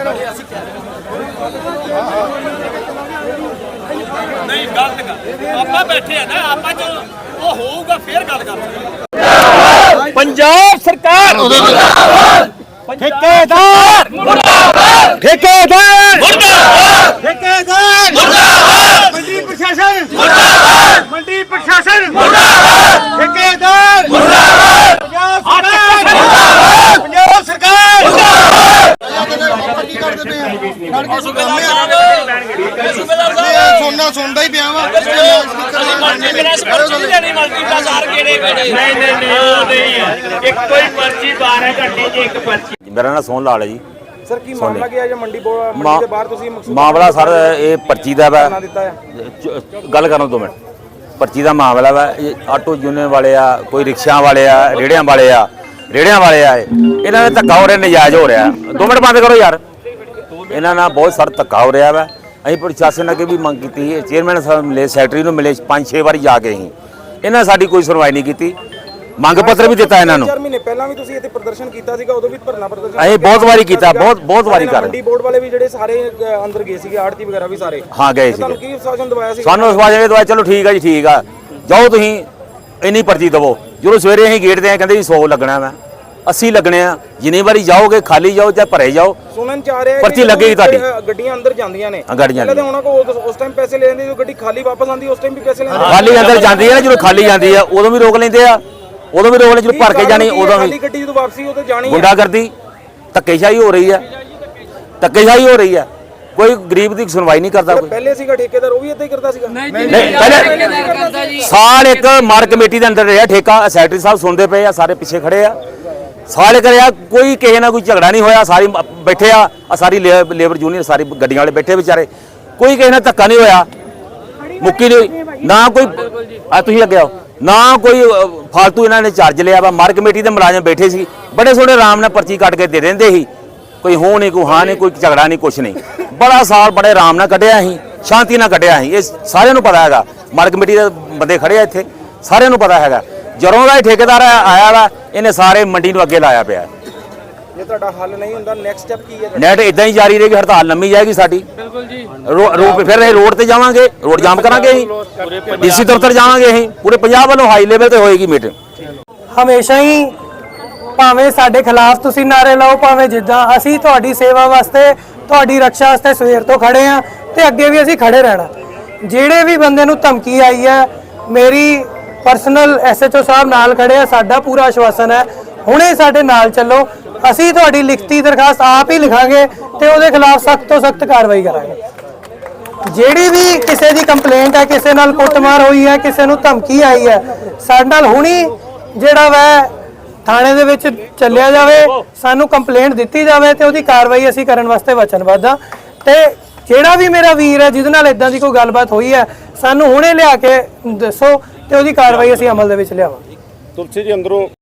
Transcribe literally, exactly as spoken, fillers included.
नहीं गलत गल आप बैठे है ना आप जो वो होगा फिर गल कर पंजाब सरकार ठेकेदार मुर्दाबाद ठेकेदार मुर्दाबाद ठेकेदार मुर्दाबाद मंडी प्रशासन मुर्दाबाद मंडी प्रशासन मुर्दाबाद ठेकेदार मुर्दाबाद पंजाब सरकार मुर्दाबाद सुनना सुनता ही पिया वा मेरा नाम सोन लाल है जी। सर की मामला क्या है मंडी मंडी के बाहर ਤੁਸੀਂ ਮਾਮਲਾ ਸਰ ਇਹ ਪਰਚੀ ਦਾ ਵਾ ਗੱਲ ਕਰਨ ਦੋ ਮਿੰਟ ਪਰਚੀ ਦਾ ਮਾਮਲਾ ਵਾ ਇਹ ਆਟੋ ਯੂਨੀਅਨ ਵਾਲੇ ਆ ਕੋਈ ਰਿਕਸ਼ਾ ਵਾਲੇ ਆ ਰੇੜਿਆਂ ਵਾਲੇ ਆ ਰੇੜਿਆਂ ਵਾਲੇ ਆ ਇਹਨਾਂ ਨੇ ਧੱਕਾ ਹੋ ਰਿਹਾ ਨਜਾਇਜ਼ ਹੋ ਰਿਹਾ ਦੋ ਮਿੰਟ ਬੰਦ ਕਰੋ ਯਾਰ ਇਹਨਾਂ ਨਾਲ ਬਹੁਤ ਸਾਰਾ ਧੱਕਾ ਹੋ ਰਿਹਾ ਵਾ ਅਸੀਂ ਪ੍ਰਸ਼ਾਸਨ ਅੱਗੇ ਵੀ ਮੰਗ ਕੀਤੀ ਚੇਅਰਮੈਨ ਸਾਹਿਬ ਮਿਲੇ ਸੈਕਟਰੀ ਨੂੰ ਮਿਲੇ ਪੰਜ ਛੇ ਵਾਰੀ ਜਾ ਕੇ ਅਸੀਂ ਇਹਨਾਂ ਸਾਡੀ ਕੋਈ ਸੁਣਵਾਈ ਨਹੀਂ ਕੀਤੀ ਮੰਗ ਪੱਤਰ ਵੀ ਦਿੱਤਾ ਇਹਨਾਂ ਨੂੰ ਚਾਰ ਮਹੀਨੇ ਪਹਿਲਾਂ ਵੀ ਤੁਸੀਂ ਇੱਥੇ ਪ੍ਰਦਰਸ਼ਨ ਕੀਤਾ ਸੀਗਾ ਉਦੋਂ ਵੀ ਧਰਨਾ ਪ੍ਰਦਰਸ਼ਨ ਅਸੀਂ ਬਹੁਤ ਵਾਰੀ ਕੀਤਾ ਬਹੁਤ ਬਹੁਤ ਵਾਰੀ ਕਰ ਮੰਡੀ ਬੋਰਡ ਵਾਲੇ ਵੀ ਜਿਹੜੇ ਸਾਰੇ ਅੰਦਰ ਗਏ ਸੀਗੇ ਆੜਤੀ ਵਗੈਰਾ ਵੀ ਸਾਰੇ ਹਾਂ ਗਏ ਸੀ ਤੁਹਾਨੂੰ ਕੀ ਸ਼ਾਸਨ ਦਵਾਇਆ ਸੀ ਸਾਨੂੰ ਸਵਾਜੇ ਦਵਾਇਆ ਚਲੋ ਠੀਕ ਆ ਜੀ ਠੀਕ ਆ ਜਾਓ ਤੁਸੀਂ ਇੰਨੀ ਪਰਚੀ ਦਵੋ ਜਦੋਂ ਸਵੇਰੇ ਅਸੀਂ ਗੇਟ ਤੇ ਆਏ ਕਹਿੰਦੇ ਜੀ ਸੌ ਲੱਗਣਾ ਵਾ अस्सी लगने जिन्नी बारी जाओगे खाली जाओ चाहे भरे जाओ सुनन चाह रहे हैं पर्ची लगेगी ਤੁਹਾਡੀ ਗੱਡੀਆਂ ਅੰਦਰ ਜਾਂਦੀਆਂ ਨੇ ਗੱਡੀਆਂ ਪਹਿਲਾਂ ਉਹਨਾਂ ਕੋ ਉਸ ਟਾਈਮ ਪੈਸੇ ਲੈ ਲੈਂਦੇ ਜੋ ਗੱਡੀ ਖਾਲੀ ਵਾਪਸ ਆਂਦੀ ਉਸ ਟਾਈਮ ਵੀ ਪੈਸੇ ਲੈਂਦੇ ਖਾਲੀ ਅੰਦਰ ਜਾਂਦੀ ਹੈ ਜਦੋਂ ਖਾਲੀ ਜਾਂਦੀ ਆ ਉਦੋਂ ਵੀ ਰੋਕ ਲੈਂਦੇ ਆ ਉਦੋਂ ਵੀ ਰੋਕ ਲੈ ਜਦੋਂ ਭਰ ਕੇ ਜਾਣੀ ਉਦੋਂ ਵੀ ਖਾਲੀ ਗੱਡੀ ਜਦੋਂ ਵਾਪਸੀ ਉਹ ਤੇ ਜਾਣੀ ਹੈ ਗੁੰਡਾਗਰਦੀ ਧੱਕੇਸ਼ਾਹੀ ਹੋ ਰਹੀ ਹੈ ਧੱਕੇਸ਼ਾਹੀ ਹੋ ਰਹੀ ਹੈ ਕੋਈ ਗਰੀਬ ਦੀ ਸੁਣਵਾਈ ਨਹੀਂ ਕਰਦਾ ਕੋਈ ਪਹਿਲੇ ਸੀਗਾ ਠੇਕੇਦਾਰ ਉਹ ਵੀ ਇੱਦਾਂ ਹੀ ਕਰਦਾ ਸੀਗਾ ਨਹੀਂ ਪਹਿਲੇ ਸਾਲ ਇੱਕ ਮਾਰ ਕਮੇਟੀ ਦੇ ਅੰਦਰ ਰਿਹਾ ਠੇਕਾ ਸੈਕਟਰੀ ਸਾਹਿਬ ਸੁਣਦੇ ਪਏ ਆ ਸਾਰੇ ਪਿੱਛੇ ਖੜੇ ਆ सारे करिया कोई किसी ना कोई झगड़ा नहीं होया सारी बैठे आ सारी लेबर यूनियन सारी गड्डियां वाले बैठे बेचारे कोई किसी ना धक्का नहीं होया मुक्की नहीं ना कोई तुसीं लगे आओ ना कोई फालतू इन्होंने चार्ज लिया वा मार कमेटी के मुलाजम बैठे सी बड़े सोहने आराम नाल पर्ची कट के दे देंदे ही कोई हो नहीं कोई हाँ नहीं कोई झगड़ा नहीं कुछ नहीं बड़ा साल बड़े आराम नाल कढ़िया ही शांति नाल कढ़िया ही ये सारिਆਂ ਨੂੰ पता हैगा मार कमेटी के बंदे खड़े आ इत्थे सारिਆਂ ਨੂੰ पता हैगा ਜਦੋਂ ਦਾ ਠੇਕੇਦਾਰ ਆਇਆ ਵਾ ਇਹਨੇ ਸਾਰੇ ਮੰਡੀ ਨੂੰ ਅੱਗੇ ਲਾਇਆ ਪਿਆ ਜੇ ਤੁਹਾਡਾ ਹੱਲ ਨਹੀਂ ਹੁੰਦਾ ਨੈਕਸਟ ਸਟੈਪ ਕੀ ਹੈ ਨੈਟ ਇਦਾਂ ਹੀ ਜਾਰੀ ਰਹੇਗੀ ਹੜਤਾਲ ਲੰਮੀ ਜਾਏਗੀ ਸਾਡੀ ਬਿਲਕੁਲ ਜੀ ਰੋਡ ਫਿਰ ਇਹ ਰੋਡ ਤੇ ਜਾਵਾਂਗੇ ਰੋਡ ਜਾਮ ਕਰਾਂਗੇ ਅਸੀਂ ਡੀਸੀ ਦਫ਼ਤਰ ਜਾਵਾਂਗੇ ਅਸੀਂ ਪੂਰੇ ਪੰਜਾਬ ਵੱਲੋਂ ਹਾਈ ਲੈਵਲ ਤੇ ਹੋਏਗੀ ਮੀਟਿੰਗ ਹਮੇਸ਼ਾ ਹੀ ਭਾਵੇਂ ਸਾਡੇ ਖਿਲਾਫ ਤੁਸੀਂ ਨਾਰੇ ਲਾਓ ਭਾਵੇਂ ਜਿੱਦਾਂ ਅਸੀਂ ਤੁਹਾਡੀ ਸੇਵਾ ਵਾਸਤੇ ਤੁਹਾਡੀ ਰੱਖਿਆ ਵਾਸਤੇ ਸਵੇਰ ਤੋਂ ਖੜੇ ਆ ਤੇ ਅੱਗੇ ਵੀ ਅਸੀਂ ਖੜੇ ਰਹਿਣਾ ਜਿਹੜੇ ਵੀ ਬੰਦੇ ਨੂੰ ਧਮਕੀ ਆਈ ਹੈ ਮੇਰੀ पर्सनल एस एच ओ साहब नाल खड़े आ साडा पूरा आश्वासन है हुणे साडे नाल चलो असी तुहाडी लिखती दरखास्त आप ही लिखांगे ते उहदे खिलाफ सख्त तो सख्त कार्रवाई करांगे जिहड़ी भी किसी दी कंप्लेंट है किसी नाल कुटमार होई है किसी नूं धमकी आई है साडे नाल हुणी जिहड़ा वै थाणे दे विच चलिया जावे सानू कंप्लेंट दित्ती जावे ते उहदी कार्रवाई असी करन वास्ते वचनबद्ध हां ते जिहड़ा भी मेरा वीर है जिहदे नाल इदां दी कोई गलबात होई है सानू हुणे लिया के दसो ਤੇ ਉਹਦੀ ਕਾਰਵਾਈ ਅਸੀਂ ਅਮਲ ਦੇ ਵਿੱਚ ਲਿਆਵਾਂਗੇ। ਤੁਲਸੀ ਜੀ ਅੰਦਰੋਂ